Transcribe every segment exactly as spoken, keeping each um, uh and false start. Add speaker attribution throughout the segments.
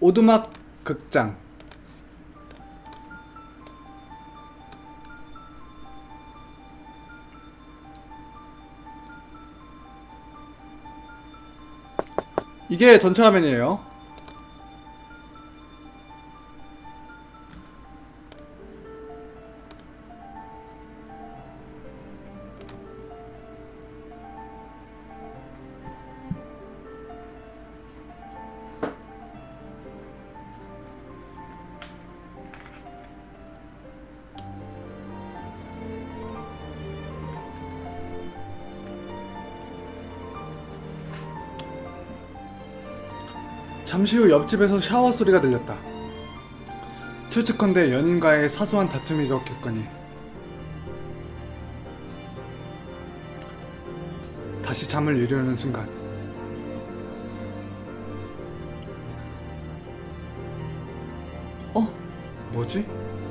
Speaker 1: 오두막 극장. 이게 전체 화면이에요. 잠시 후 옆집에서 샤워 소리가 들렸다. 추측컨대 연인과의 사소한 다툼이었겠거니. 다시 잠을 이루려는 순간 어? 뭐지?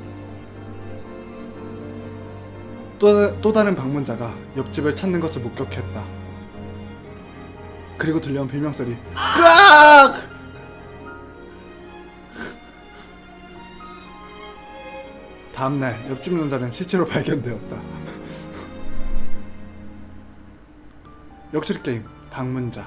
Speaker 1: 또, 또 다른 방문자가 옆집을 찾는 것을 목격했다. 그리고 들려온 비명소리. 으악! 다음날 옆집 남자는 시체로 발견되었다. 역술 게임 방문자.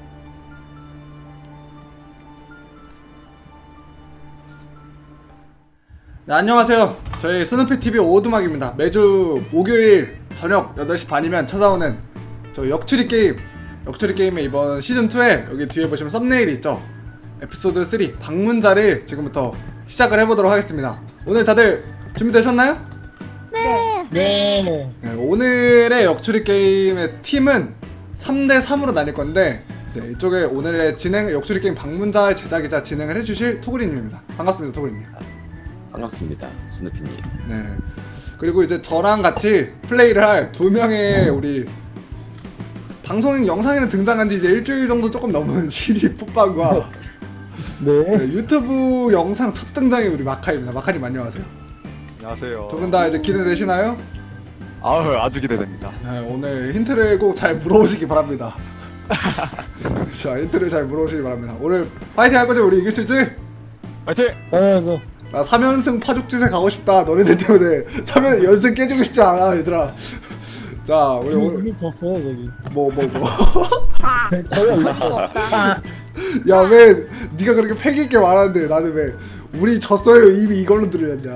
Speaker 1: 네, 안녕하세요. 저희 스누피티비 오두막입니다. 매주 목요일 저녁 여덟 시 반이면 찾아오는 저 역추리 게임. 역추리 게임의 이번 시즌이에 여기 뒤에 보시면 썸네일이 있죠. 에피소드 삼 방문자를 지금부터 시작을 해보도록 하겠습니다. 오늘 다들 준비되셨나요?
Speaker 2: 네.
Speaker 3: 네.
Speaker 1: 네, 오늘의 역추리 게임의 팀은 삼 대 삼으로 나뉠 건데, 이제 이쪽에 오늘의 진행, 역추리 게임 방문자의 제작이자 진행을 해주실 토그리님입니다. 반갑습니다, 토그리님.
Speaker 2: 반갑습니다, 스누피님.
Speaker 1: 네. 그리고 이제 저랑 같이 플레이를 할 두 명의 우리 방송 영상에는 등장한 지 이제 일주일 정도 조금 넘은 시리 풋방과
Speaker 3: 네.
Speaker 1: 네, 유튜브 영상 첫 등장의 우리 마카입니다. 마카님 안녕하세요.
Speaker 4: 안녕하세요.
Speaker 1: 두 분 다 이제 기대되시나요?
Speaker 4: 아유, 아주 기대됩니다.
Speaker 1: 네, 오늘 힌트를 꼭 잘 물어보시기 바랍니다. 자, 힌트를 잘 물어보시기 바랍니다. 오늘 파이팅 할 거지? 우리 이길 수 있지?
Speaker 4: 파이팅!
Speaker 3: 당연하죠.
Speaker 1: 나 삼 연승 파죽짓에 가고 싶다. 너네들 때문에 삼 연 연승 깨지고 싶지 않아, 얘들아. 자, 우리
Speaker 3: 이미,
Speaker 1: 오늘
Speaker 3: 이미 졌어요, 저기.
Speaker 1: 뭐 뭐 뭐.
Speaker 3: 저요, 이거.
Speaker 1: 야, 왜 네가 그렇게 패기 있게 말하는데 나는 왜 우리 졌어요 이미 이걸로 들으렸냐.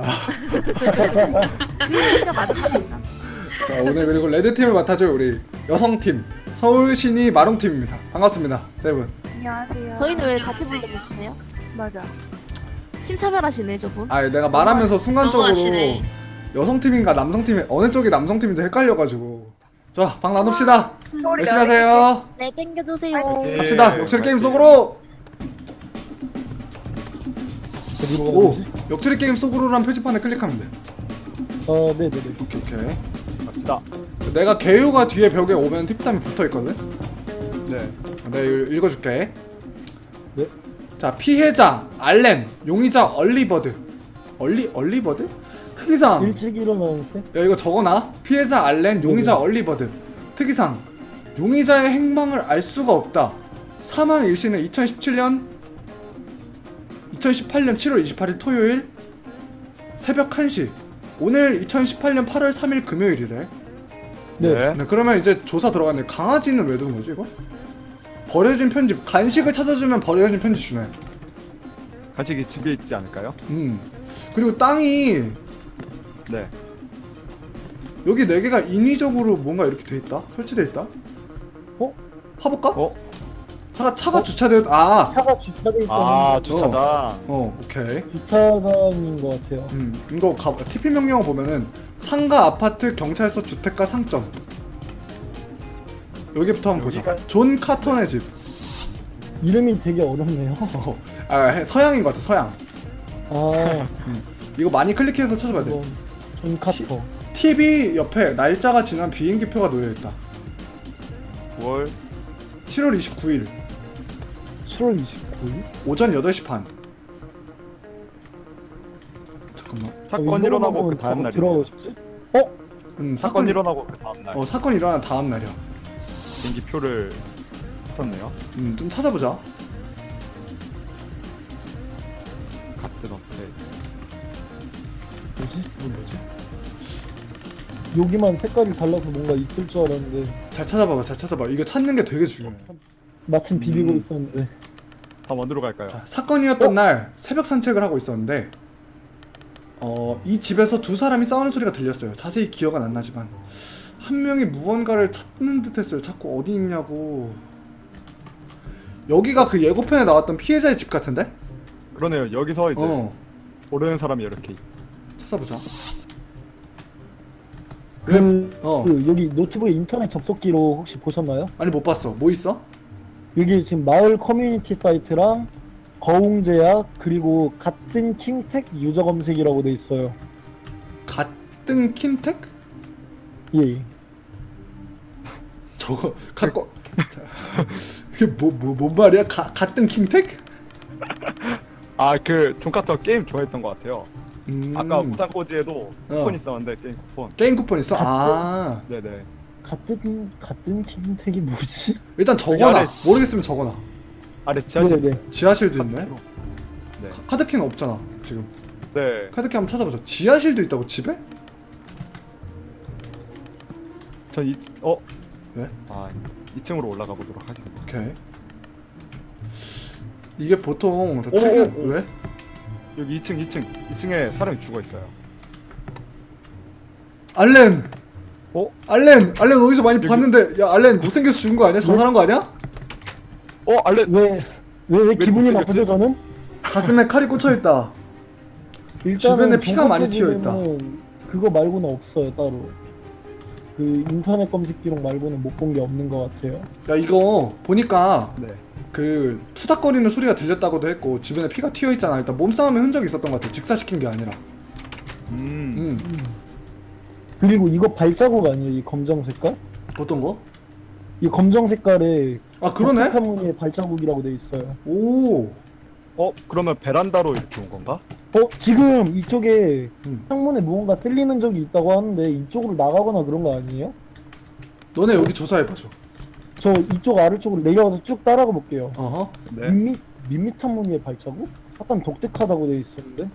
Speaker 1: 자, 오늘 그리고 레드팀을 맡아줄 우리 여성팀 서울신이 마롱팀입니다. 반갑습니다, 세 분.
Speaker 5: 안녕하세요.
Speaker 6: 저희는 왜 같이 불러주시네요?
Speaker 5: 맞아.
Speaker 6: 팀 차별하시네 저분.
Speaker 1: 아, 내가 말하면서 순간적으로
Speaker 6: 너무하시네.
Speaker 1: 여성팀인가 남성팀이 어느 쪽이 남성팀인지 헷갈려가지고. 자, 방 나눕시다.
Speaker 5: 소리
Speaker 1: 열심히 하세요.
Speaker 6: 네 땡겨주세요.
Speaker 4: 네.
Speaker 1: 갑시다. 역추리 게임 속으로.
Speaker 3: 어디로
Speaker 1: 오,
Speaker 3: 가는지?
Speaker 1: 역추리 게임 속으로란 표지판에 클릭하면 돼.
Speaker 3: 어, 네네네.
Speaker 1: 오케이 오케이.
Speaker 4: 갑시다.
Speaker 1: 내가 개요가 뒤에 벽에 오면 팁담이 붙어있거든?
Speaker 4: 네.
Speaker 1: 내가 이걸 읽어줄게.
Speaker 3: 네.
Speaker 1: 자, 피해자 알렌, 용의자 얼리버드. 얼리 얼리버드? 특이사항.
Speaker 3: 일찍 일어나는데?
Speaker 1: 야, 이거 적어놔. 피해자 알렌, 용의자
Speaker 3: 네네.
Speaker 1: 얼리버드. 특이사항. 용의자의 행방을 알 수가 없다. 사망 일시는 이천십칠 년 이천십팔 년 칠월 이십팔일 토요일 새벽 한 시. 오늘 이천십팔 년 팔월 삼일 금요일이래.
Speaker 3: 네.
Speaker 1: 네, 그러면 이제 조사 들어갔네. 강아지는 왜 두는 거지 이거? 버려진 편집. 간식을 찾아주면 버려진 편지 주네.
Speaker 4: 간식이 집에 있지 않을까요?
Speaker 1: 음. 그리고 땅이
Speaker 4: 네.
Speaker 1: 여기 네 개가 인위적으로 뭔가 이렇게 돼 있다. 설치돼 있다.
Speaker 3: 어?
Speaker 1: 파볼까?
Speaker 4: 어?
Speaker 1: 차가 차가 주차되어. 아.
Speaker 3: 차가 주차돼 있다는
Speaker 4: 아,
Speaker 3: 거.
Speaker 4: 주차장.
Speaker 1: 어, 오케이.
Speaker 3: 주차장인 것 같아요.
Speaker 1: 음, 이거 가, 티피 명령어 보면은 상가, 아파트, 경찰서, 주택가, 상점. 여기부터 한번 보자.
Speaker 4: 여기가-
Speaker 1: 존 카턴의 집.
Speaker 3: 이름이 되게 어렵네요.
Speaker 1: 어, 아, 해- 서양인 것 같아. 서양.
Speaker 3: 아,
Speaker 1: 이거 많이 클릭해서 찾아봐야 돼.
Speaker 3: 이건 존 카터.
Speaker 1: 티비 옆에 날짜가 지난 비행기표가 놓여있다.
Speaker 4: 구월
Speaker 1: 칠월 이십구일
Speaker 3: 칠월 이십구일?
Speaker 1: 오전 여덟 시 반. 잠깐만.
Speaker 4: 사건 일어나고 그 다음 날이네.
Speaker 3: 들어가고 싶지? 어?
Speaker 1: 음,
Speaker 4: 사건
Speaker 1: 사건
Speaker 4: 일어나고 그 다음 날.
Speaker 1: 어, 사건 일어난 다음 날이야.
Speaker 4: 비행기표를 썼네요.
Speaker 1: 음, 좀 찾아보자.
Speaker 4: 어떻게?
Speaker 3: 뭐지?
Speaker 1: 이건 뭐지?
Speaker 3: 여기만 색깔이 달라서 뭔가 있을 줄 알았는데
Speaker 1: 잘 찾아봐봐 잘 찾아봐. 이거 찾는 게 되게 중요해.
Speaker 3: 마침 비비고
Speaker 4: 음.
Speaker 3: 있었는데.
Speaker 4: 다음 어디로 갈까요?
Speaker 1: 자, 사건이었던 날 새벽 산책을 하고 있었는데 어, 이 집에서 두 사람이 싸우는 소리가 들렸어요. 자세히 기억은 안 나지만 한 명이 무언가를 찾는 듯 했어요. 자꾸 어디 있냐고. 여기가 그 예고편에 나왔던 피해자의 집 같은데?
Speaker 4: 그러네요. 여기서 이제
Speaker 1: 어
Speaker 4: 모르는 사람이 이렇게 있-
Speaker 1: 찾아보자.
Speaker 3: 그,
Speaker 1: 어
Speaker 3: 그 여기 노트북에 인터넷 접속기로 혹시 보셨나요?
Speaker 1: 아니 못 봤어. 뭐 있어?
Speaker 3: 여기 지금 마을 커뮤니티 사이트랑 거웅제약 그리고 같은 킹텍 유저 검색이라고 돼 있어요.
Speaker 1: 같은 킨텍?
Speaker 3: 예.
Speaker 1: 저거 갖고 자, 이게 뭐뭐 뭔 말이야? 가, 같은 킹텍?
Speaker 4: 아그 존카터 게임 좋아했던 것 같아요.
Speaker 1: 음,
Speaker 4: 아까 무상코지에도
Speaker 1: 어.
Speaker 4: 쿠폰 있었는데 게임 쿠폰.
Speaker 1: 게임 쿠폰 있어? 아
Speaker 4: 네네.
Speaker 3: 같은 같은 킹텍이 뭐지?
Speaker 1: 일단 적어놔.
Speaker 4: 아래-
Speaker 1: 모르겠으면 적어놔.
Speaker 4: 아래 지하실.
Speaker 3: 네네.
Speaker 1: 지하실도 있네.
Speaker 4: 카드키로. 네.
Speaker 1: 카드키는 없잖아 지금.
Speaker 4: 네.
Speaker 1: 카드키 한번 찾아보자. 지하실도 있다고 집에?
Speaker 4: 전 이, 어?
Speaker 1: 왜?
Speaker 4: 아, 이 층으로 올라가 보도록 하겠습니다.
Speaker 1: 오케이. 이게 보통 다
Speaker 4: 오,
Speaker 1: 특이
Speaker 4: 오, 오.
Speaker 1: 왜?
Speaker 4: 여기 이 층, 이 층, 이 층에 사람이 죽어 있어요.
Speaker 1: 알렌.
Speaker 4: 어?
Speaker 1: 알렌. 알렌 어디서 많이
Speaker 4: 여기-
Speaker 1: 봤는데 야 알렌 못생겨서 죽은 거 아니야? 자살한 거 아니야?
Speaker 4: 어, 알렌.
Speaker 3: 왜 왜 왜 기분이
Speaker 4: 못생겼지?
Speaker 3: 나쁘죠 저는?
Speaker 1: 가슴에 칼이 꽂혀 있다.
Speaker 3: 일단은
Speaker 1: 주변에 피가 많이
Speaker 3: 정보
Speaker 1: 튀어 있다.
Speaker 3: 부분은 그거 말고는 없어요 따로. 그 인터넷 검색 기록 말고는 못 본 게 없는 것 같아요.
Speaker 1: 야 이거 보니까
Speaker 4: 네.
Speaker 1: 그 투닥거리는 소리가 들렸다고도 했고 주변에 피가 튀어 있잖아. 일단 몸싸움의 흔적이 있었던 것 같아. 직사시킨 게 아니라.
Speaker 4: 음.
Speaker 1: 음.
Speaker 3: 그리고 이거 발자국 아니에요 이 검정 색깔?
Speaker 1: 어떤 거?
Speaker 3: 이 검정 색깔에
Speaker 1: 아 그러네.
Speaker 3: 무늬의 발자국이라고 돼 있어요.
Speaker 1: 오.
Speaker 4: 어, 그러면 베란다로 이렇게 온 건가?
Speaker 3: 어 지금 이쪽에
Speaker 1: 음.
Speaker 3: 창문에 무언가 뚫리는 적이 있다고 하는데 이쪽으로 나가거나 그런 거 아니에요?
Speaker 1: 너네 여기 조사해봐줘.
Speaker 3: 저 이쪽 아래쪽으로 내려가서 쭉 따라가 볼게요.
Speaker 1: 어허.
Speaker 4: 네.
Speaker 3: 밋밋 밋밋한 무늬의 발자국? 약간 독특하다고 돼 있었는데.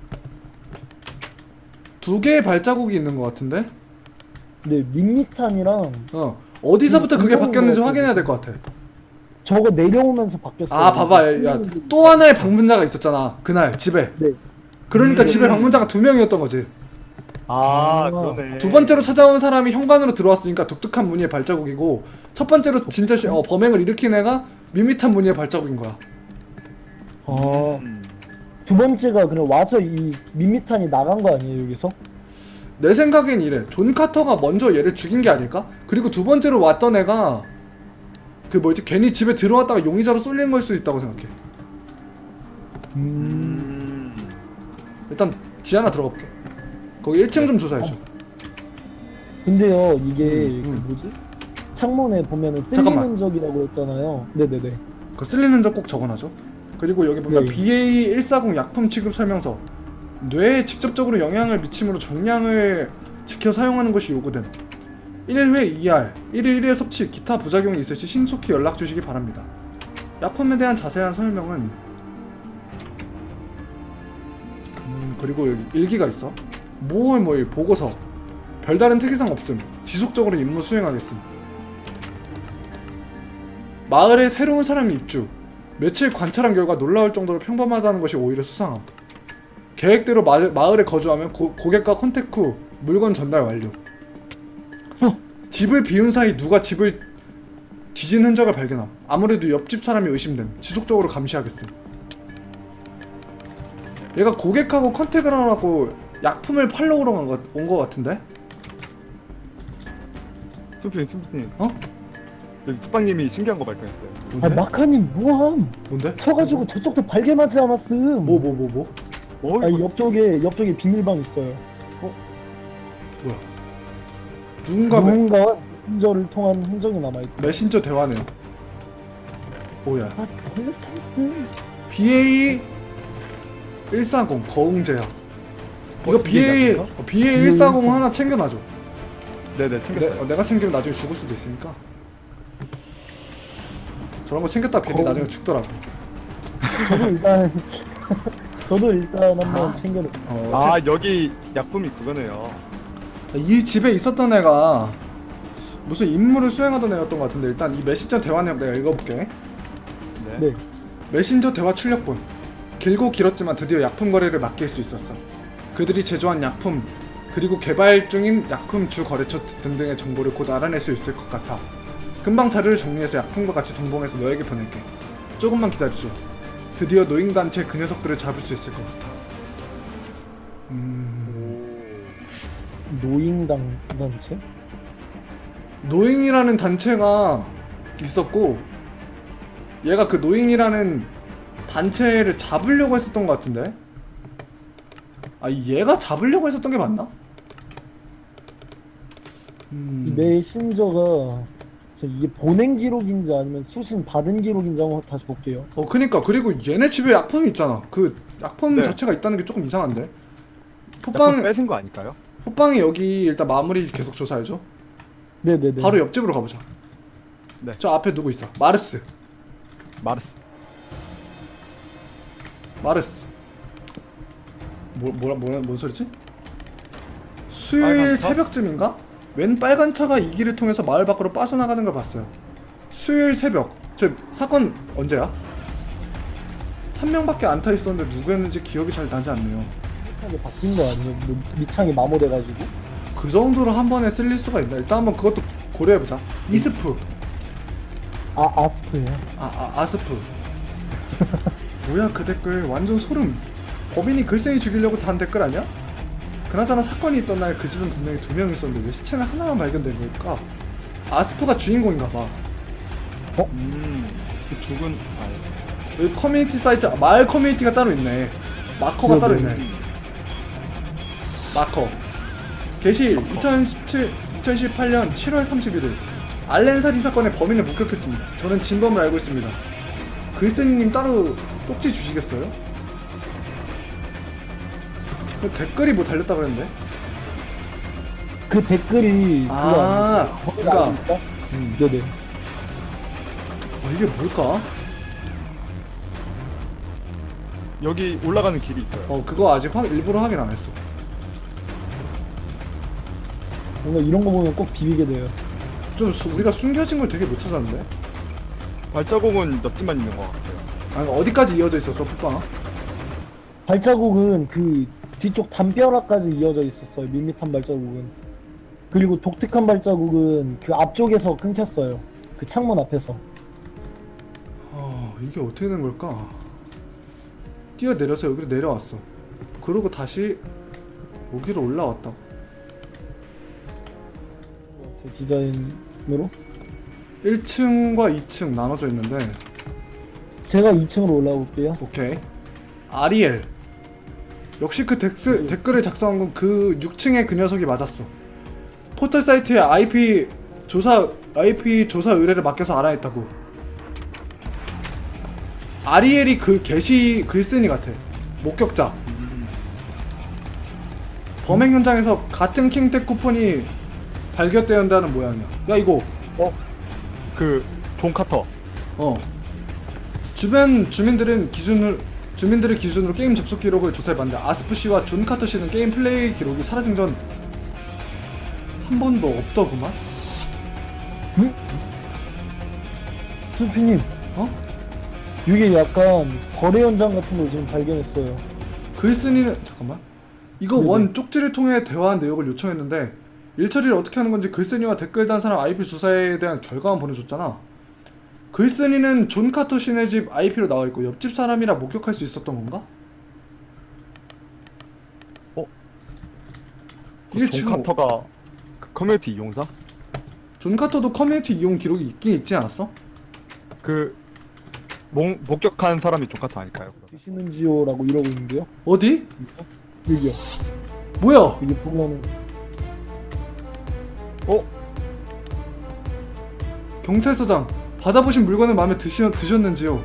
Speaker 1: 두 개의 발자국이 있는 것 같은데?
Speaker 3: 네 밋밋한이랑
Speaker 1: 어. 어디서부터 그게
Speaker 3: 음,
Speaker 1: 바뀌었는지
Speaker 3: 음,
Speaker 1: 확인해야 될 것 같아.
Speaker 3: 저거 내려오면서 바뀌었어요.
Speaker 1: 아 봐봐. 야 또 하나의 방문자가 있었잖아. 그날 집에.
Speaker 3: 네.
Speaker 1: 그러니까
Speaker 4: 음.
Speaker 1: 집에 방문자가 두 명이었던 거지.
Speaker 4: 아,
Speaker 3: 아.
Speaker 4: 그러네.
Speaker 1: 두 번째로 찾아온 사람이 현관으로 들어왔으니까 독특한 무늬의 발자국이고 첫 번째로 진짜 시, 어, 범행을 일으킨 애가 밋밋한 무늬의 발자국인 거야.
Speaker 3: 아,
Speaker 4: 음.
Speaker 3: 두 번째가 그냥 와서 이 밋밋한이 나간 거 아니에요 여기서?
Speaker 1: 내 생각엔 이래. 존 카터가 먼저 얘를 죽인 게 아닐까? 그리고 두 번째로 왔던 애가 그 뭐지 괜히 집에 들어왔다가 용의자로 쏠린 걸 수도 있다고 생각해.
Speaker 3: 음.
Speaker 4: 음.
Speaker 1: 일단 지하나 들어가 볼게. 거기 일 층 좀 조사해줘.
Speaker 3: 근데요 이게
Speaker 1: 음, 음.
Speaker 3: 그 뭐지? 창문에 보면은
Speaker 1: 잠깐만.
Speaker 3: 뚫리는 적이라고 했잖아요. 네네네.
Speaker 1: 그 쓸리는 적 꼭 적어놔줘. 그리고 여기 보면
Speaker 3: 네.
Speaker 1: 비에이 일사공 약품 취급 설명서. 뇌에 직접적으로 영향을 미치므로 정량을 지켜 사용하는 것이 요구됨. 일 회 이알, 일 일 일 회 섭취, 기타 부작용이 있을 시 신속히 연락 주시기 바랍니다. 약품에 대한 자세한 설명은 음 그리고 여기 일기가 있어. 모월 모일 보고서. 별다른 특이사항 없음. 지속적으로 임무 수행하겠음. 마을에 새로운 사람이 입주. 며칠 관찰한 결과 놀라울 정도로 평범하다는 것이 오히려 수상함. 계획대로 마, 마을에 거주하면 고, 고객과 컨택 후 물건 전달 완료. 집을 비운 사이 누가 집을 뒤진 흔적을 발견함. 아무래도 옆집 사람이 의심됨. 지속적으로 감시하겠음. 얘가 고객하고 컨택을 안 하고 약품을 팔러 오러 온 것 같은데?
Speaker 4: 스프님, 스프님.
Speaker 1: 어?
Speaker 4: 여기 툭방님이 신기한 거 발견했어요.
Speaker 3: 아
Speaker 1: 뭔데?
Speaker 3: 마카님 뭐함?
Speaker 1: 뭔데?
Speaker 3: 쳐가지고 저쪽도 발견하지 않았음.
Speaker 1: 뭐 뭐 뭐 뭐?
Speaker 4: 뭐?
Speaker 3: 아
Speaker 4: 이거
Speaker 3: 옆쪽에 옆쪽에 비밀방 있어요.
Speaker 1: 뭐야? 누군가 메,
Speaker 3: 누군가 메신저를 통한 흔적이 남아있고.
Speaker 1: 메신저 대화네요. 오야.
Speaker 3: 아 걸렸음.
Speaker 1: 비에이 일사공 거웅제야. 이거
Speaker 4: 어,
Speaker 1: 비에이
Speaker 4: 이게
Speaker 1: 어, 비에이 일사공 하나 챙겨놔줘.
Speaker 4: 네네,
Speaker 1: 내,
Speaker 4: 챙겼어요.
Speaker 1: 어, 내가 챙기면 나중에 죽을 수도 있으니까. 저런 거 챙겼다 괜히
Speaker 3: 거웅.
Speaker 1: 나중에 죽더라고.
Speaker 3: 저도 일단 저도 일단 한번
Speaker 1: 아.
Speaker 3: 챙겨놓.
Speaker 1: 어,
Speaker 4: 아 여기 약품이 그거네요.
Speaker 1: 이 집에 있었던 애가 무슨 임무를 수행하던 애였던 것 같은데 일단 이 메신저 대화 내용 내가 읽어볼게.
Speaker 4: 네.
Speaker 3: 네.
Speaker 1: 메신저 대화 출력본. 길고 길었지만 드디어 약품 거래를 맡길 수 있었어. 그들이 제조한 약품 그리고 개발 중인 약품 주 거래처 등등의 정보를 곧 알아낼 수 있을 것 같아. 금방 자료를 정리해서 약품과 같이 동봉해서 너에게 보낼게. 조금만 기다려줘. 드디어 노인단체 그 녀석들을 잡을 수 있을 것 같아. 음...
Speaker 3: 노인당 단체?
Speaker 1: 노잉이라는 단체가 있었고 얘가 그 노잉이라는 단체를 잡으려고 했었던 것 같은데. 아 얘가 잡으려고 했었던 게 맞나?
Speaker 3: 이
Speaker 1: 음...
Speaker 3: 메신저가 저 이게 보낸 기록인지 아니면 수신 받은 기록인지 한번 다시 볼게요.
Speaker 1: 어 그니까 그리고 얘네 집에 약품이 있잖아. 그 약품
Speaker 4: 네.
Speaker 1: 자체가 있다는 게 조금 이상한데.
Speaker 4: 약품
Speaker 1: 호빵
Speaker 4: 뺏은 거 아닐까요?
Speaker 1: 호빵이 여기 일단 마무리 계속 조사해줘.
Speaker 3: 네네네.
Speaker 1: 바로 옆집으로 가보자.
Speaker 4: 네.
Speaker 1: 저 앞에 누구 있어? 마르스.
Speaker 4: 마르스.
Speaker 1: 마르스. 뭐 뭐라 뭐라 뭔 소리지? 수요일
Speaker 4: 빨간 차?
Speaker 1: 새벽쯤인가? 웬 빨간 차가 이 길을 통해서 마을 밖으로 빠져나가는 걸 봤어요. 수요일 새벽. 저 사건 언제야? 한 명밖에 안 타 있었는데 누구였는지 기억이 잘 나지 않네요.
Speaker 3: 미창이 바뀐 거 아니에요? 뭐 미창이 마모돼가지고.
Speaker 1: 그 정도로 한 번에 쓸릴 수가 있나? 일단 한번 그것도 고려해보자. 이스프.
Speaker 3: 아 아스프예요.
Speaker 1: 아, 아 아스프. 뭐야 그 댓글 완전 소름. 법인이 글쎄이 죽이려고 단 댓글 아니야? 그나저나 사건이 있던 날 그 집은 분명히 두 명 있었는데 왜 시체는 하나만 발견된 걸까? 아스프가 주인공인가봐.
Speaker 4: 음. 그 죽은 아
Speaker 1: 여기 커뮤니티 사이트 아, 마을 커뮤니티가 따로 있네. 마커가 따로 있네. 마커. 게시 이천십칠, 이천십팔 년 칠월 삼십일일 알렌 살인 사건의 범인을 목격했습니다. 저는 진범을 알고 있습니다. 글쓴이님 따로 쪽지 주시겠어요? 그 댓글이 뭐 달렸다 그랬는데?
Speaker 3: 그 댓글이
Speaker 1: 아,
Speaker 3: 그거
Speaker 1: 그러니까.
Speaker 3: 아닙니까?
Speaker 1: 음.
Speaker 3: 네네.
Speaker 1: 아 이게 뭘까?
Speaker 4: 여기 올라가는 길이 있어요.
Speaker 1: 어 그거 아직 확, 일부러 확인 안 했어.
Speaker 3: 뭔가 이런 거 보면 꼭 비비게 돼요.
Speaker 1: 좀 수, 우리가 숨겨진 걸 되게 못 찾았는데?
Speaker 4: 발자국은 옆집만 있는 것 같아요.
Speaker 1: 아니 어디까지 이어져 있었어 풋방아?
Speaker 3: 발자국은 그 뒤쪽 담벼락까지 이어져 있었어요. 밋밋한 발자국은. 그리고 독특한 발자국은 그 앞쪽에서 끊겼어요. 그 창문 앞에서.
Speaker 1: 어 이게 어떻게 된 걸까? 뛰어내려서 여기로 내려왔어. 그러고 다시 여기로 올라왔다고.
Speaker 3: 제 디자인으로.
Speaker 1: 일 층과 이 층 나눠져 있는데
Speaker 3: 제가 이 층으로 올라가 볼게요.
Speaker 1: 오케이. 아리엘. 역시 그 덱스, 댓글을 작성한 건 그 육 층의 그 녀석이 맞았어. 포털 사이트에 아이피 조사 아이피 조사 의뢰를 맡겨서 알아냈다고. 아리엘이 그 게시 글쓴이 같아. 목격자. 범행 현장에서 같은 킹텍 쿠폰이 발견되었다는 모양이야. 야 이거
Speaker 4: 어? 그 존 카터.
Speaker 1: 어 주변 주민들은 기준을 주민들을 기준으로 게임 접속 기록을 조사해봤는데 아스프 씨와 존 카터 씨는 게임 플레이 기록이 사라진 전 한 번도 없더구만.
Speaker 3: 응? 수피님,
Speaker 1: 어?
Speaker 3: 이게 약간 거래 현장 같은 걸 지금 발견했어요.
Speaker 1: 글쓴이는 잠깐만. 이거
Speaker 3: 네네.
Speaker 1: 원 쪽지를 통해 대화한 내역을 요청했는데 일처리를 어떻게 하는 건지 글쓴이와 댓글 단 사람 아이피 조사에 대한 결과만 보내줬잖아. 글쓴이는 존 카터 씨네 집 아이피로 나와 있고 옆집 사람이라 목격할 수 있었던 건가?
Speaker 4: 어?
Speaker 1: 이게
Speaker 4: 존
Speaker 1: 지금
Speaker 4: 카터가 그 커뮤니티 이용자?
Speaker 1: 존 카터도 커뮤니티 이용 기록이 있긴 있지 않았어?
Speaker 4: 그 목, 목격한 사람이 존 카터 아닐까요? 그러면?
Speaker 3: 계시는지요라고 이러고 있는데요.
Speaker 1: 어디?
Speaker 3: 여기요.
Speaker 1: 뭐야?
Speaker 3: 이게 보면은
Speaker 4: 어?
Speaker 1: 경찰서장, 받아보신 물건은 마음에 드시, 드셨는지요?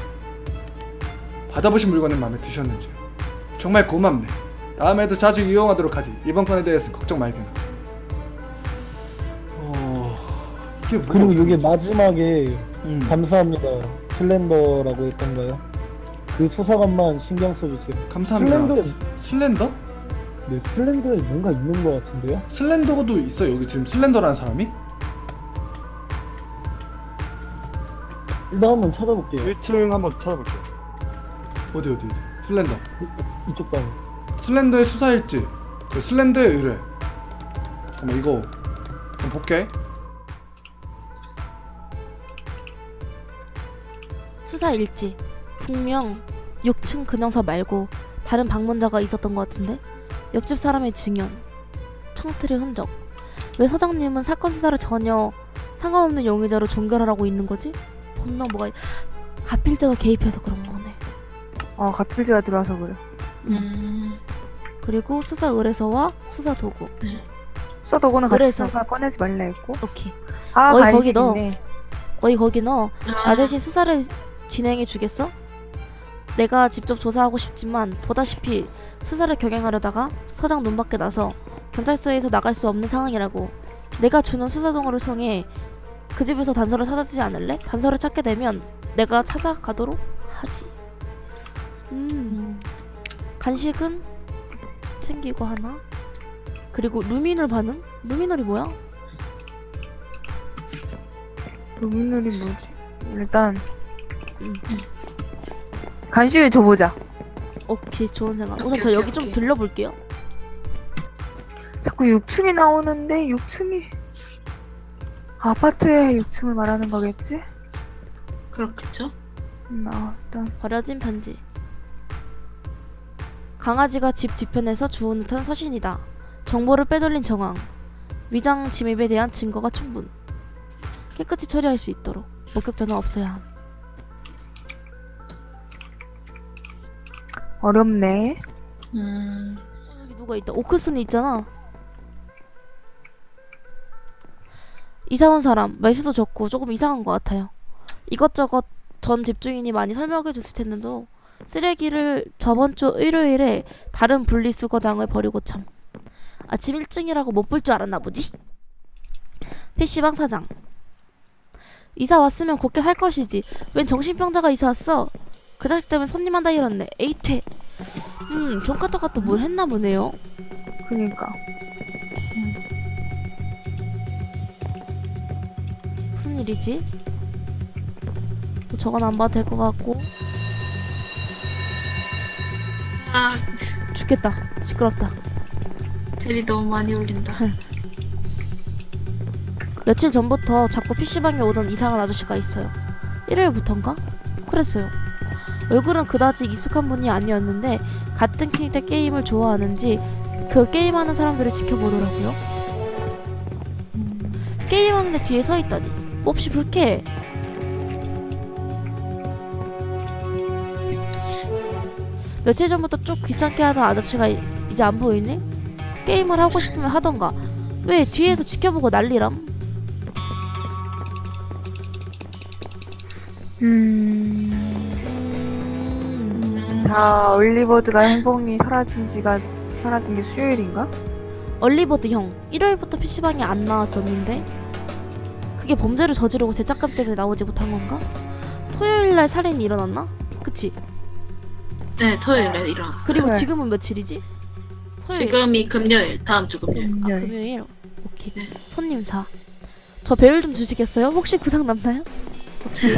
Speaker 1: 받아보신 물건은 마음에 드셨는지요? 정말 고맙네. 다음에도 자주 이용하도록 하지. 이번 건에 대해서 걱정 말게나. 어... 이게 뭐가
Speaker 3: 그리고
Speaker 1: 어떻게
Speaker 3: 이게
Speaker 1: 되지?
Speaker 3: 마지막에
Speaker 1: 음.
Speaker 3: 감사합니다 슬렌더라고 했던가요? 그 수사관만 신경 써주세요.
Speaker 1: 감사합니다.
Speaker 3: 슬렌더.
Speaker 1: 슬렌더?
Speaker 3: 네, 슬렌더에 뭔가 있는 것 같은데요?
Speaker 1: 슬렌더도 있어 여기 지금 슬렌더라는 사람이?
Speaker 3: 일단 한번 찾아볼게요.
Speaker 4: 일 층 한번 찾아볼게요.
Speaker 1: 어디 어디 어디 슬렌더
Speaker 3: 이쪽 방.
Speaker 1: 슬렌더의 수사일지 그 슬렌더의 의뢰 잠깐만 이거 좀 볼게.
Speaker 6: 수사 일지. 분명 육 층 근영사 말고 다른 방문자가 있었던 것 같은데? 옆집 사람의 증언, 청틀의 흔적. 왜 서장님은 사건 수사를 전혀 상관없는 용의자로 종결하라고 있는 거지? 분명 뭐가 있- 가필자가 개입해서 그런 거네.
Speaker 5: 어, 가필드가 들어와서 그래.
Speaker 7: 음.
Speaker 6: 그리고 수사 의뢰서와 수사 도구.
Speaker 5: 수사 도구는 같이
Speaker 6: 그래서.
Speaker 5: 수사 꺼내지 말라 했고.
Speaker 6: 오케이.
Speaker 5: 아,
Speaker 6: 어이, 거기 넣어.
Speaker 5: 간식이네.
Speaker 6: 어이 거기 너 나
Speaker 7: 아,
Speaker 6: 대신 수사를 진행해 주겠어? 내가 직접 조사하고 싶지만 보다시피 수사를 경영하려다가 서장 눈밖에 나서 경찰서에서 나갈 수 없는 상황이라고. 내가 주는 수사 동호를 통해 그 집에서 단서를 찾아주지 않을래? 단서를 찾게 되면 내가 찾아가도록 하지. 음 간식은 챙기고 하나. 그리고 루미놀 반응? 루미놀이 뭐야?
Speaker 5: 루미놀이 뭐지? 일단
Speaker 6: 음.
Speaker 5: 간식을 줘보자.
Speaker 6: 오케이 좋은 생각. 우선
Speaker 7: 오케이,
Speaker 6: 저
Speaker 7: 오케이,
Speaker 6: 여기 좀
Speaker 7: 오케이.
Speaker 6: 들려볼게요.
Speaker 5: 자꾸 육 층이 나오는데 육 층이 아파트의 육 층을 말하는 거겠지?
Speaker 7: 그렇겠죠?
Speaker 5: 음, 아, 일단
Speaker 6: 버려진 편지. 강아지가 집 뒤편에서 주운 듯한 서신이다. 정보를 빼돌린 정황. 위장 침입에 대한 증거가 충분. 깨끗이 처리할 수 있도록. 목격자는 없어야 함.
Speaker 5: 어렵네.
Speaker 7: 음.
Speaker 6: 어, 여기 누가 있다. 오크슨이 있잖아. 이사 온 사람 말수도 적고 조금 이상한 것 같아요. 이것저것 전 집주인이 많이 설명해 줬을 텐데도 쓰레기를 저번 주 일요일에 다른 분리수거장을 버리고 참. 아침 일찍이라고 못 볼 줄 알았나 보지? 피씨방 사장. 이사 왔으면 곱게 할 것이지. 웬 정신병자가 이사 왔어? 그 자식 때문에 손님 한다 이랬네. 에이퇴. 음, 존카터가 또 뭘 했나 보네요.
Speaker 5: 그니까.
Speaker 6: 무슨 일이지? 뭐 저건 안 봐도 될 것 같고.
Speaker 7: 아,
Speaker 6: 죽겠다. 시끄럽다.
Speaker 7: 벨이 너무 많이 울린다.
Speaker 6: 며칠 전부터 자꾸 피씨방에 오던 이상한 아저씨가 있어요. 일요일부턴가? 그랬어요. 얼굴은 그다지 익숙한 분이 아니었는데 같은 킹 때 게임을 좋아하는지 그 게임하는 사람들을 지켜보더라고요. 게임하는데 뒤에 서 있다니 몹시 불쾌해. 며칠 전부터 쭉 귀찮게 하던 아저씨가 이- 이제 안 보이네? 게임을 하고 싶으면 하던가. 왜 뒤에서 지켜보고 난리람?
Speaker 5: 음.
Speaker 6: 음...
Speaker 5: 자, 올리버드가 행복이 사라진 지가 사라진 게 수요일인가?
Speaker 6: 얼리버드 형 일요일부터 피씨방에 안 나왔었는데 그게 범죄를 저지르고 죄책감 때문에 나오지 못한 건가? 토요일날 살인이 일어났나? 그치?
Speaker 7: 네, 토요일에 일어났어요.
Speaker 6: 그리고
Speaker 5: 네.
Speaker 6: 지금은 며칠이지? 토요일.
Speaker 7: 지금이 금요일, 다음 주 금요일.
Speaker 6: 아
Speaker 5: 네.
Speaker 6: 금요일. 오케이.
Speaker 7: 네.
Speaker 6: 손님 사. 저 배율 좀 주시겠어요? 혹시 구상 남나요? 오케이.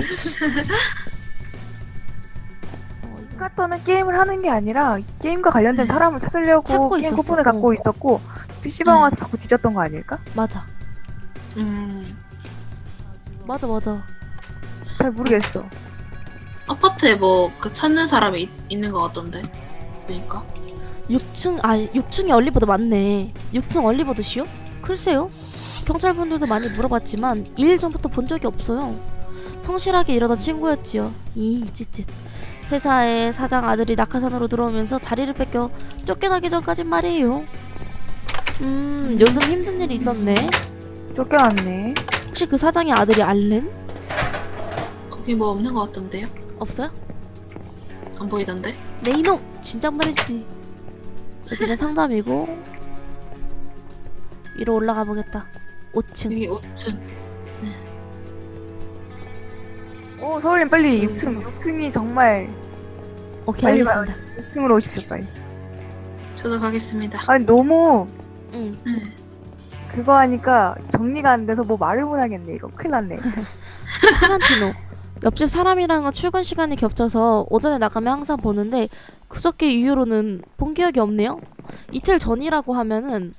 Speaker 6: 어, 이거
Speaker 5: 카터는 게임을 하는 게 아니라 게임과 관련된 사람을 찾으려고
Speaker 6: 찾고
Speaker 5: 게임
Speaker 6: 있었어.
Speaker 5: 쿠폰을 갖고
Speaker 6: 어.
Speaker 5: 있었고 피씨방 와서 자꾸 뒤졌던 거 아닐까?
Speaker 6: 맞아.
Speaker 7: 음.
Speaker 6: 맞아 맞아.
Speaker 5: 잘 모르겠어.
Speaker 7: 아파트에 뭐 그 찾는 사람이 있, 있는 것 같던데. 그러니까.
Speaker 6: 육 층, 아 육 층에 얼리버드 맞네. 육 층 얼리버드시요? 글쎄요. 경찰분들도 많이 물어봤지만 이 일 전부터 본 적이 없어요. 성실하게 일하던 친구였지요. 이 찌릿. 회사에 사장 아들이 낙하산으로 들어오면서 자리를 뺏겨 쫓겨나기 전까진 말이에요. 음, 요즘 힘든 일이 있었네.
Speaker 5: 쫓겨났네.
Speaker 6: 혹시 그 사장의 아들이 알렌?
Speaker 7: 거기 뭐 없는 것 같던데요?
Speaker 6: 없어요?
Speaker 7: 안 보이던데?
Speaker 6: 네 이놈! 진작말이지. 여기는 상점이고 위로 올라가 보겠다. 오 층.
Speaker 7: 여기 오 층.
Speaker 5: 오, 서울님 빨리
Speaker 6: 음.
Speaker 5: 육 층. 육 층이 정말
Speaker 6: 오케이
Speaker 5: 빨리
Speaker 6: 알겠습니다.
Speaker 5: 이 층으로 오십시오 빨리.
Speaker 7: 저도 가겠습니다.
Speaker 5: 아니 너무
Speaker 6: 응.
Speaker 7: 네.
Speaker 5: 그거 하니까 정리가 안 돼서 뭐 말을 못 하겠네 이거. 큰일 났네.
Speaker 6: 타란티노. 옆집 사람이랑은 출근 시간이 겹쳐서 오전에 나가면 항상 보는데 그저께 이후로는 본 기억이 없네요. 이틀 전이라고 하면은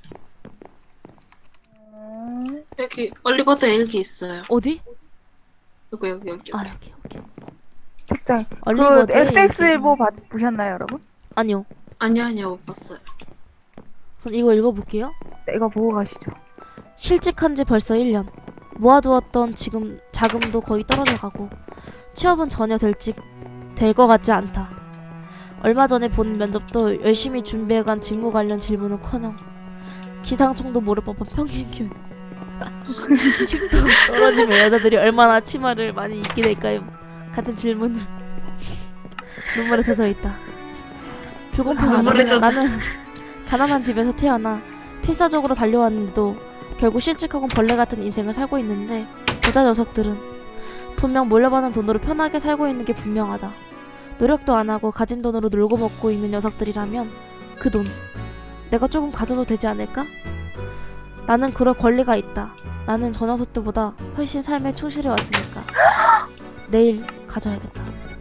Speaker 7: 여기 얼리버드 일기 있어요.
Speaker 6: 어디?
Speaker 7: 여기 여기 여기.
Speaker 6: 아 여기 여기.
Speaker 5: 책장. 그
Speaker 6: 얼리버드
Speaker 5: 엑스엑스일보 받- 보셨나요 여러분?
Speaker 6: 아니요.
Speaker 7: 아니요 아니요 못 봤어요.
Speaker 6: 전 이거 읽어볼게요.
Speaker 5: 네, 이거 보고 가시죠.
Speaker 6: 실직한 지 벌써 일 년. 모아두었던 지금 자금도 거의 떨어져가고 취업은 전혀 될지 될 것 같지 않다. 얼마 전에 본 면접도 열심히 준비해간 직무 관련 질문은커녕 기상청도 모를 법한 평행균. 흉도 떨어지면 여자들이 얼마나 치마를 많이 입게 될까요? 같은 질문을 눈물에 젖어 있다. 불공평하다.
Speaker 7: 눈물에 젖어.
Speaker 6: 나는 가난한 집에서 태어나 필사적으로 달려왔는데도 결국 실직하고 벌레 같은 인생을 살고 있는데 부자 녀석들은 분명 몰려받은 돈으로 편하게 살고 있는 게 분명하다. 노력도 안 하고 가진 돈으로 놀고 먹고 있는 녀석들이라면 그 돈 내가 조금 가져도 되지 않을까? 나는 그럴 권리가 있다. 나는 저 녀석들보다 훨씬 삶에 충실해 왔으니까 내일 가져야겠다.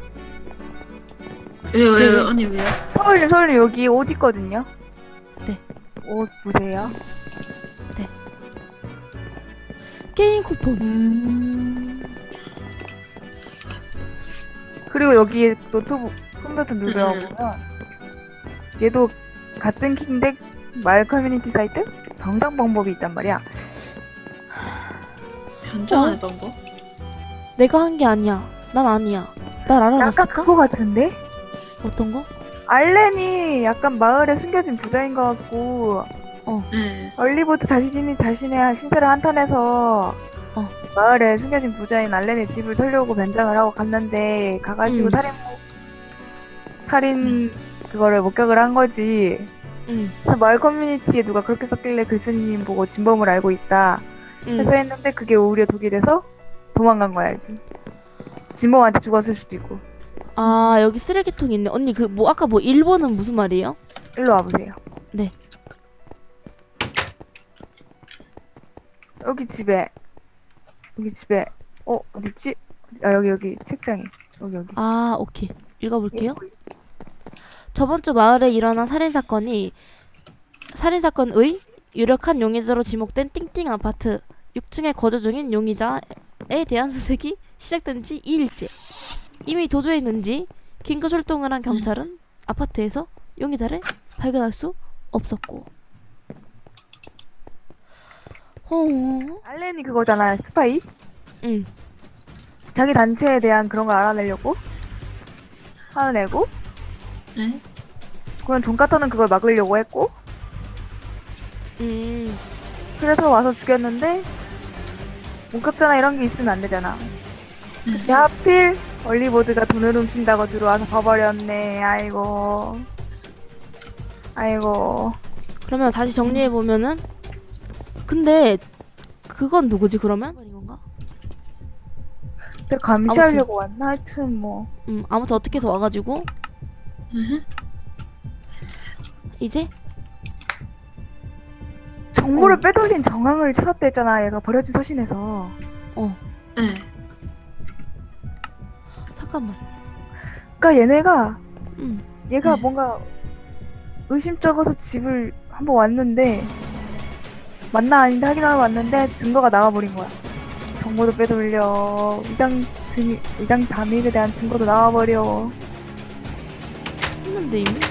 Speaker 7: 왜요 왜요
Speaker 6: 네.
Speaker 7: 언니 왜요?
Speaker 5: 서울님 서울님 여기 옷 있거든요.
Speaker 6: 네.
Speaker 5: 옷 보세요.
Speaker 6: 게임 쿠폰.
Speaker 5: 음. 그리고 여기 노트북 컴퓨터 누르면
Speaker 7: 음.
Speaker 5: 얘도 같은 킹덱 말 커뮤니티 사이트 정당 방법이 있단 말이야.
Speaker 7: 변장하는 방법?
Speaker 6: 내가 한 게 아니야. 난 아니야. 날
Speaker 5: 약간
Speaker 6: 알아봤을까?
Speaker 5: 그거 같은데?
Speaker 6: 어떤 거?
Speaker 5: 알렌이 약간 마을에 숨겨진 부자인 것 같고
Speaker 7: 네.
Speaker 5: 얼리버드 자신이 자신의 신세를 한탄해서
Speaker 6: 어.
Speaker 5: 마을에 숨겨진 부자인 알렌의 집을 털려고 변장을 하고 갔는데 가가지고
Speaker 6: 음.
Speaker 5: 살인 살인 그거를 목격을 한 거지.
Speaker 6: 응.
Speaker 5: 그래서 마을 커뮤니티에 누가 그렇게 썼길래 글쓴이님 보고 진범을 알고 있다
Speaker 6: 응.
Speaker 5: 해서 했는데 그게 오히려 독이 돼서 도망간 거야지. 진범한테 죽었을 수도 있고.
Speaker 6: 아 여기 쓰레기통 있네. 언니 그 뭐 아까 뭐 일본은 무슨 말이에요?
Speaker 5: 일로 와보세요.
Speaker 6: 네.
Speaker 5: 여기 집에 여기 집에 어 어딨지? 아 여기 여기 책장에 여기 여기.
Speaker 6: 아 오케이. 읽어볼게요.
Speaker 5: 여기 있어.
Speaker 6: 저번 주 마을에 일어난 살인사건이 살인사건의 유력한 용의자로 지목된 띵띵 아파트 육 층에 거주 중인 용의자에 대한 수색이 시작된 지 이 일째. 이미 도주해 있는지 긴급 출동을 한 경찰은 아파트에서 용의자를 발견할 수 없었고. 어,
Speaker 5: 알렌이 그거잖아 스파이.
Speaker 6: 응.
Speaker 5: 자기 단체에 대한 그런 걸 알아내려고 하는 애고
Speaker 7: 네?
Speaker 5: 그건 존카터는 그걸 막으려고 했고
Speaker 6: 음.
Speaker 5: 그래서 와서 죽였는데 목격자나 이런 게 있으면 안 되잖아. 근데 하필 얼리버드가 돈을 훔친다고 들어와서 봐버렸네. 아이고 아이고.
Speaker 6: 그러면 다시 정리해 보면은 근데 그건 누구지 그러면? 건가?
Speaker 5: 근데 감시하려고 왔나? 하여튼 뭐
Speaker 6: 음 아무튼 어떻게 해서 와가지고
Speaker 7: 음.
Speaker 6: 이제
Speaker 5: 정보를
Speaker 6: 어.
Speaker 5: 빼돌린 정황을 찾았대잖아. 얘가 버려진 서신에서.
Speaker 6: 어
Speaker 7: 네.
Speaker 6: 잠깐만.
Speaker 5: 그러니까 얘네가
Speaker 6: 음
Speaker 5: 얘가
Speaker 7: 네.
Speaker 5: 뭔가 의심쩍어서 집을 한번 왔는데 맞나 아닌데 확인하러 왔는데 증거가 나와버린 거야. 정보도 빼돌려. 위장 증 위장 잠입에 대한 증거도 나와버려.
Speaker 6: 했는데 이미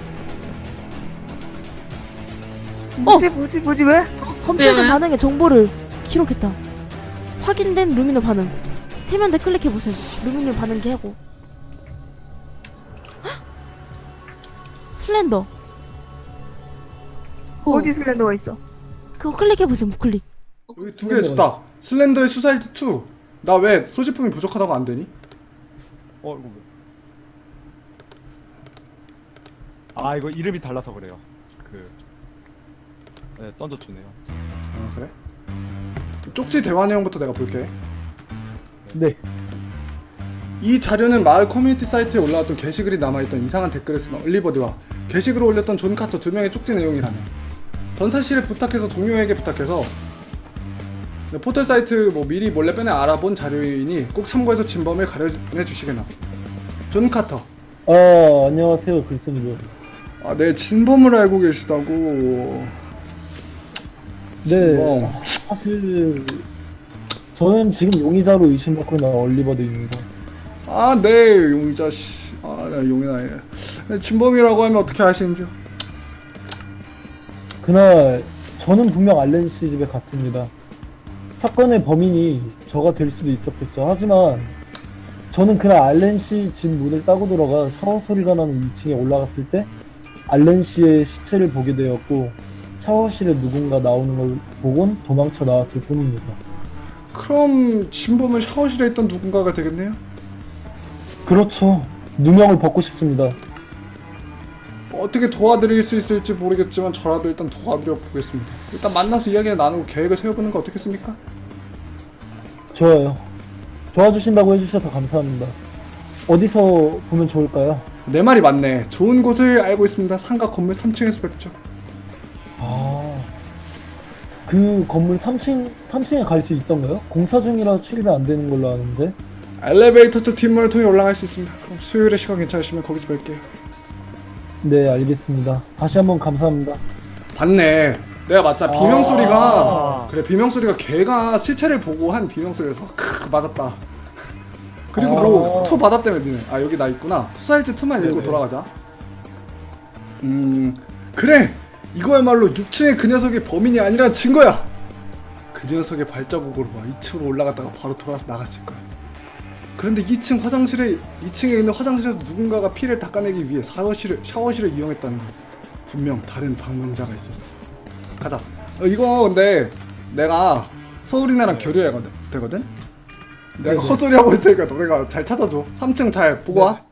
Speaker 5: 뭐지 뭐지 뭐지 왜?
Speaker 6: 검찰된
Speaker 7: 왜요?
Speaker 6: 반응의 정보를 기록했다. 확인된 루미노 반응. 세면대 클릭해보세요. 루미노 반응 개하고. 헉! 슬렌더.
Speaker 7: 어.
Speaker 5: 어디 슬렌더가 있어?
Speaker 6: 그거 클릭해보세요. 무클릭.
Speaker 1: 여기 두 개 있었다. 슬렌더의 수사일지 투. 나 왜 소지품이 부족하다고 안 되니?
Speaker 4: 어 이거 뭐? 아 이거 이름이 달라서 그래요. 그 네, 던져주네요.
Speaker 1: 아 그래? 쪽지 대화 내용부터 내가 볼게.
Speaker 3: 네.
Speaker 1: 이 자료는 마을 커뮤니티 사이트에 올라왔던 게시글이 남아있던 이상한 댓글을 쓴 얼리버드와 게시글을 올렸던 존 카터 두 명의 쪽지 내용이라며 전 사실을 부탁해서 동료에게 부탁해서 포털 사이트 뭐 미리 몰래 빼내 알아본 자료이니 꼭 참고해서 진범을 가려내 주시게나. 존 카터.
Speaker 3: 아, 안녕하세요, 글쓴이분.
Speaker 1: 아, 네, 진범을 알고 계시다고.
Speaker 3: 네,
Speaker 1: 진범.
Speaker 3: 사실 저는 지금 용의자로 의심받고 있는 얼리버드입니다.
Speaker 1: 아, 네, 용의자 씨. 아, 네, 용의자. 예. 네, 진범이라고 하면 어떻게 아시는지요?
Speaker 3: 그날 저는 분명 알렌 씨 집에 갔습니다. 사건의 범인이 저가 될 수도 있었겠죠. 하지만 저는 그날 알렌 씨 집 문을 따고 들어가 샤워 소리가 나는 이 층에 올라갔을 때 알렌 씨의 시체를 보게 되었고 샤워실에 누군가 나오는 걸 보곤 도망쳐 나왔을 뿐입니다.
Speaker 1: 그럼 진범은 샤워실에 있던 누군가가 되겠네요?
Speaker 3: 그렇죠. 누명을 벗고 싶습니다.
Speaker 1: 어떻게 도와드릴 수 있을지 모르겠지만 저라도 일단 도와드려 보겠습니다. 일단 만나서 이야기를 나누고 계획을 세워보는 거 어떻겠습니까?
Speaker 3: 좋아요. 도와주신다고 해주셔서 감사합니다. 어디서 보면 좋을까요?
Speaker 1: 내 말이 맞네. 좋은 곳을 알고 있습니다. 상가 건물 삼 층에서 뵙죠.
Speaker 3: 아, 그 건물 삼 층, 삼 층에 갈 수 있던가요? 공사 중이라 출입이 안 되는 걸로 아는데.
Speaker 1: 엘리베이터 쪽 뒷문을 통해 올라갈 수 있습니다. 그럼 수요일에 시간 괜찮으시면 거기서 뵐게요.
Speaker 3: 네, 알겠습니다. 다시 한번 감사합니다.
Speaker 1: 봤네. 내가 맞자. 비명
Speaker 4: 아.
Speaker 1: 소리가 그래 비명 소리가 걔가 시체를 보고 한 비명 소리였어. 크 맞았다. 그리고
Speaker 3: 아.
Speaker 1: 뭐 투 받았다며 니네. 아 여기 나 있구나. 수사일지 투만 읽고
Speaker 3: 네네.
Speaker 1: 돌아가자. 음 그래 이거야말로 육 층의 그 녀석이 범인이 아니란 증거야. 그 녀석의 발자국으로 봐 이 층으로 올라갔다가 바로 돌아와서 나갔을 거야. 그런데 이 층 화장실에 이 층에 있는 화장실에서 누군가가 피를 닦아내기 위해 샤워실을 샤워실을 이용했다는 거야. 분명 다른 방문자가 있었어. 가자. 어, 이거 근데 내가 서울이나랑 교류해야 되거든? 내가
Speaker 3: 네네.
Speaker 1: 헛소리하고 있으니까 너네가 잘 찾아줘. 삼 층 잘 보고 와.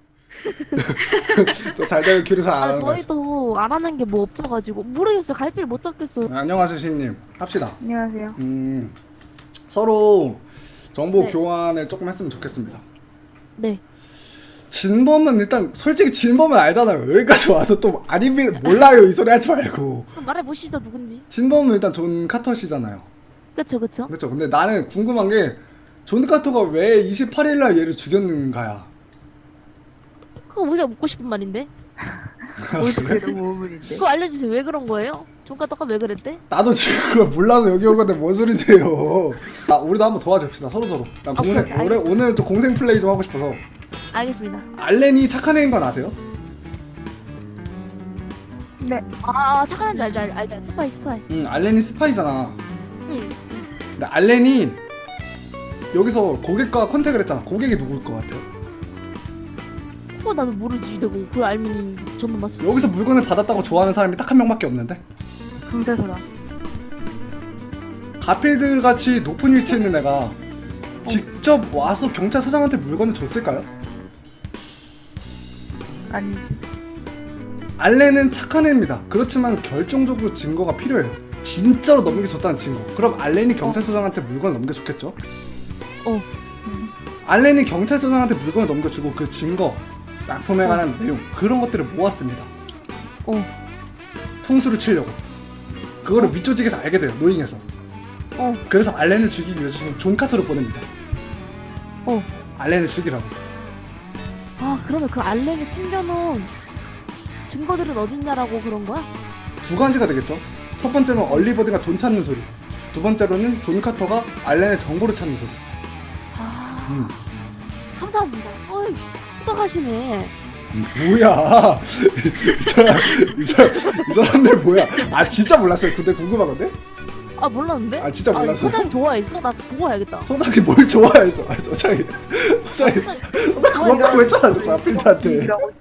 Speaker 1: 저 잘 되면 교류 잘 안
Speaker 6: 아,
Speaker 1: 하는 거야.
Speaker 6: 저희도 안 하는 게 뭐 없어가지고 모르겠어요. 갈피를 못 잡겠어요.
Speaker 1: 안녕하세요 시인님. 합시다.
Speaker 5: 안녕하세요.
Speaker 1: 음 서로 정보
Speaker 6: 네.
Speaker 1: 교환을 조금 했으면 좋겠습니다.
Speaker 6: 네.
Speaker 1: 진범은 일단 솔직히 진범은 알잖아요. 여기까지 와서 또 아니면 몰라요 이 소리 하지 말고.
Speaker 6: 그럼 말해보시죠, 누군지.
Speaker 1: 진범은 일단 존 카터시잖아요.
Speaker 6: 그쵸, 그쵸.
Speaker 1: 그렇죠. 근데 나는 궁금한 게 존 카터가 왜 이십팔 일 날 얘를 죽였는가야.
Speaker 6: 그거 우리가 묻고 싶은 말인데.
Speaker 5: 어떻게 너무 의문인데.
Speaker 6: 그거 알려주세요. 왜 그런 거예요? 종가떡가 왜 그랬대?
Speaker 1: 나도 지금 그걸 몰라서 여기 온 건데 뭔 소리세요. 아 우리도 한번 도와줍시다 서로 서로. 난
Speaker 6: 오케이,
Speaker 1: 공생
Speaker 6: 오케이,
Speaker 1: 올해 오늘 좀 공생 플레이 좀 하고 싶어서.
Speaker 6: 알겠습니다.
Speaker 1: 알렌이 착한 애인 건 아세요?
Speaker 5: 네.
Speaker 6: 아, 착한 줄 알죠, 알죠, 알죠. 스파이, 스파이.
Speaker 1: 응 알렌이 스파이잖아.
Speaker 6: 응.
Speaker 1: 근데 알렌이 여기서 고객과 컨택을 했잖아. 고객이 누구일 것 같아요?
Speaker 6: 그거 나도 모르지. 내가 그걸 알면 전부 맞췄지.
Speaker 1: 여기서 물건을 받았다고 좋아하는 사람이 딱 한 명밖에 없는데?
Speaker 5: 경찰서다.
Speaker 1: 가필드 같이 높은 위치에 있는 애가 직접 와서 경찰서장한테 물건을 줬을까요?
Speaker 5: 아니지.
Speaker 1: 알렌은 착한 애입니다. 그렇지만 결정적으로 증거가 필요해요. 진짜로 넘겨줬다는 증거. 그럼 알렌이 경찰서장한테 물건을 넘겨줬겠죠?
Speaker 6: 어.
Speaker 1: 알렌이 경찰서장한테 물건을 넘겨주고 그 증거, 약품에 관한 내용 그런 것들을 모았습니다.
Speaker 6: 어.
Speaker 1: 통수를 치려고. 그거를 위조직에서 알게 돼요. 노잉에서.
Speaker 6: 어.
Speaker 1: 그래서 알렌을 죽이기 위해서 지금 존 카터를 보냅니다.
Speaker 6: 어.
Speaker 1: 알렌을 죽이라고.
Speaker 6: 아, 그러면 그 알렌이 숨겨놓은 증거들은 어딨냐라고 그런 거야?
Speaker 1: 두 가지가 되겠죠. 첫 번째는 얼리버드가 돈 찾는 소리. 두 번째로는 존 카터가 알렌의 정보를 찾는 소리.
Speaker 6: 아,
Speaker 1: 음.
Speaker 6: 감사합니다. 어이, 투닥하시네.
Speaker 1: 뭐야? 이 사람, 이 사람, 이 사람들 뭐야? 아 진짜 몰랐어요. 근데 궁금하던데?
Speaker 6: 아, 몰랐는데?
Speaker 1: 아 진짜 몰랐어요.
Speaker 6: 소장 좋아했어? 나 보고 와야겠다.
Speaker 1: 소장이 뭘 좋아해서? 아, 소장이, 소장이,
Speaker 6: 소장
Speaker 1: 소장 고맙다고 했잖아, 저 가필드한테.
Speaker 5: 이라고